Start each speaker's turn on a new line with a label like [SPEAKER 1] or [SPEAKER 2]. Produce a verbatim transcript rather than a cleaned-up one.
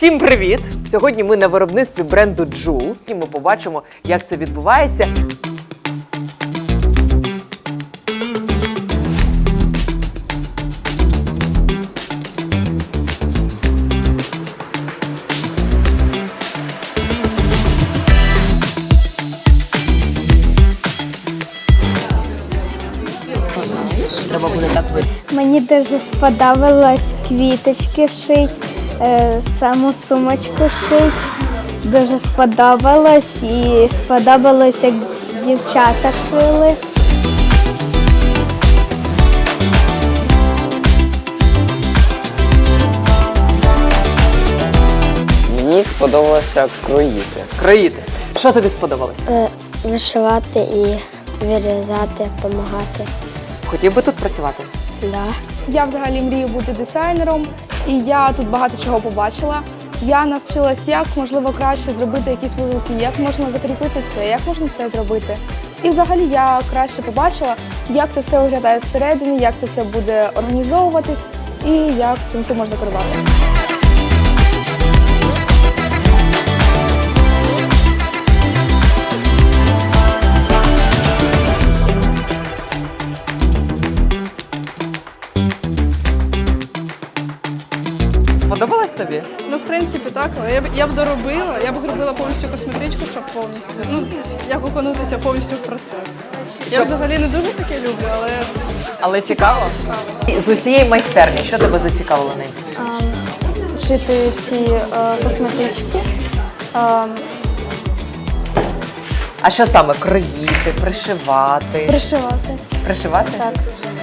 [SPEAKER 1] Всім привіт! Сьогодні ми на виробництві бренду Джул, і ми побачимо, як це відбувається. Треба буде так вийти.
[SPEAKER 2] Мені дуже сподобалось квіточки шить, е, саму сумочку шить. Дуже сподобалось і сподобалось, як дівчата шили.
[SPEAKER 3] Мені сподобалося кроїти.
[SPEAKER 1] Кроїти. Що тобі сподобалось?
[SPEAKER 2] Вишивати і вирізати, допомагати.
[SPEAKER 1] Хотів би тут працювати?
[SPEAKER 2] Да.
[SPEAKER 4] Я взагалі мрію бути дизайнером, і я тут багато чого побачила. Я навчилась, як можливо краще зробити якісь вузолки, як можна закріпити це, як можна це зробити. І взагалі я краще побачила, як це все виглядає зсередини, як це все буде організовуватись і як цим все можна керувати.
[SPEAKER 1] Сподобалось тобі?
[SPEAKER 5] Ну, в принципі, так, але я б, я б доробила, я б зробила повністю косметичку, щоб повністю, ну, як окунутися повністю в процес. Я
[SPEAKER 1] Щоб-
[SPEAKER 5] взагалі не дуже таке люблю, але
[SPEAKER 1] Але цікаво? І з усієї майстерні, що тебе зацікавило ним?
[SPEAKER 2] Шити ці е, косметички. Е,
[SPEAKER 1] А що саме? Кроїти, пришивати?
[SPEAKER 2] Пришивати.
[SPEAKER 1] Пришивати?
[SPEAKER 2] Так.